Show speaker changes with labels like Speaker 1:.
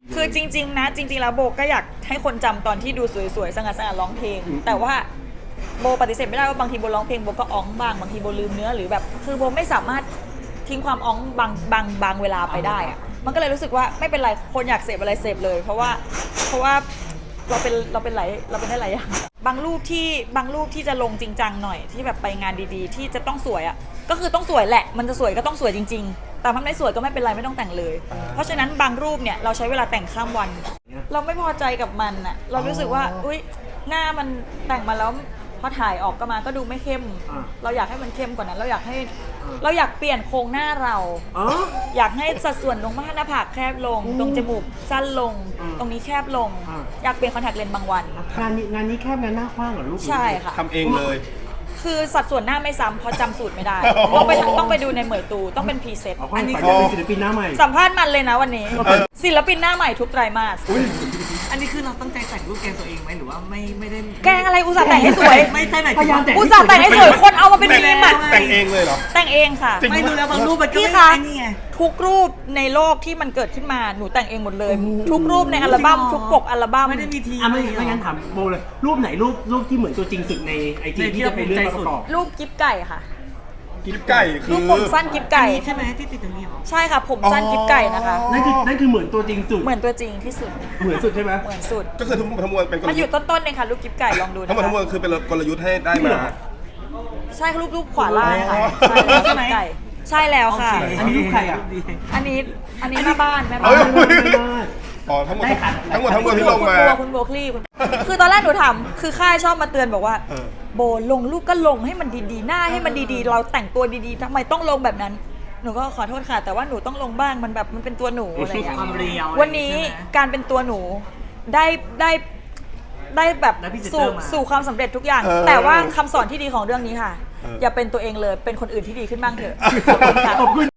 Speaker 1: คือจริงๆนะจริงๆแล้วโบก็อยากให้คนจำตอนที่ดูสวยๆสง่าๆร้องเพลงแต่ว่าโบปฏิเสธไม่ได้ว่าบางทีโบร้องเพลงโบก็อ้องบ้างบางทีโบลืมเนื้อหรือแบบคือโบไม่สามารถทิ้งความอ้องบางเวลาไปได้อะมันก็เลยรู้สึกว่าไม่เป็นไรคนอยากเสพอะไรเสพเลย เพราะว่าเราเป็นได้หลายอย่างบางรูปที่จะลงจริงจังหน่อยที่แบบไปงานดีๆ ที่จะต้องสวยอ่ะก็คือต้องสวยแหละมันจะสวยก็ต้องสวยจริงๆแต่ถ้าไม่สวยก็ไม่เป็นไรไม่ต้องแต่งเลยเพราะฉะนั้นบางรูปเนี่ยเราใช้เวลาแต่งข้ามวันเราไม่พอใจกับมันอ่ะเรารู้สึกว่าอุ๊ยหน้ามันแต่งมาแล้วพอถ่ายออกก็ดูไม่เข้มเราอยากให้มันเข้มกว่านั้นเราอยากเปลี่ยนโครงหน้าเราอยากให้สัดส่วนตรงหน้าผากแคบลงตรงจมูกสั้นลงตรงนี้แคบลงอยากเปลี่ยนคอนแทคเลนส์บางวัน
Speaker 2: งานนี้แคบงานหน้าคว้างเหรอลูก
Speaker 1: ใช่ค่ะ
Speaker 3: ทำเองเลย
Speaker 1: คือสัดส่วนหน้าไม่ซ้ำเพราะจำสูตรไม่ได้ต้องไปดูในเหมยตูต้องเป็นพรีเซ็ต
Speaker 2: อันนี้คือศิลปินหน้าใหม่
Speaker 1: สัมภาษณ์มันเลยนะวันนี้ศิลปินหน้าใหม่ทุกไตรมาส
Speaker 4: อันนี้คือเราตั้งใจแต่งรูปแกงตัวเองไหมหรือว่าไม่ได้
Speaker 1: แกงอะไรอุตส่าห์แต่งให้สวย
Speaker 4: ไม่ใช่ไหม
Speaker 1: อุตส่าห์แต่งให้สวยคนเอามาเป็นมีมอะ
Speaker 3: แต่งเองเลยเหรอ
Speaker 1: แต่งเองค่ะ
Speaker 4: ไม่ดูแล้วบางรูปมันก็
Speaker 1: พี่คะทุกรูปในโลกที่มันเกิดขึ้นมาหนูแต่งเองหมดเลยทุกรูปในอัลบั้มทุกปกอัลบั้ม
Speaker 4: ไม่ได้มีที
Speaker 2: ไม่งั้นถามโบเลยรูปไหนรูปที่เหมือนตัวจริงสุดในไอจีที่จะเป็นเรื่องประกอบ
Speaker 1: รูปกิ๊บไก่ค่ะ
Speaker 3: กิ๊บไก่คือ
Speaker 1: รูปผมสั้นกิ๊บไก่
Speaker 4: ใช่ไหมที่ติดตรงนี้หรอ
Speaker 1: ใช่ค่ะผมสั้นกิ๊บไก่นะคะ
Speaker 2: นั่นคือเหมือนตัวจริงสุด
Speaker 1: เหมือนตัวจริงที่สุด
Speaker 2: เหมือนสุดใช่ไหม
Speaker 1: เหมือนสุด
Speaker 3: ก็คือทั้งมวลเป็น
Speaker 1: มันอยู่ต้นๆเองค่ะรูปกิ๊บไก่ลองดู
Speaker 3: ทั้งมวลคือเป็นกลยุทธ์ให้ได้มา
Speaker 1: ใช่รูปขวาล่างค่ะใช่ไหมใช่แล้วค่ะ
Speaker 2: อันนี้รูปใครอ่ะ
Speaker 1: อันนี้แม่บ้าน
Speaker 3: อ๋อทั้งหมดที่ลงมา
Speaker 1: คุณโบคลี่คือตอนแรกหนูถามคือค่ายชอบมาเตือนบอกว่าโบลงรูปก็ลงให้มันดีๆหน้าให้มันดีๆเราแต่งตัวดีๆทำไมต้องลงแบบนั้นหนูก็ขอโทษค่ะแต่ว่าหนูต้องลงบ้างมันแบบมันเป็นตัวหนูอะไรอย่างเงี้ยวันนี้การเป็นตัวหนูได้แบบสู่ความสำเร็จทุกอย่างแต่ว่าคำสอนที่ดีของเรื่องนี้ค่ะอย่าเป็นตัวเองเลยเป็นคนอื่นที่ดีขึ้นบ้างเถอะขอบคุณค่ะ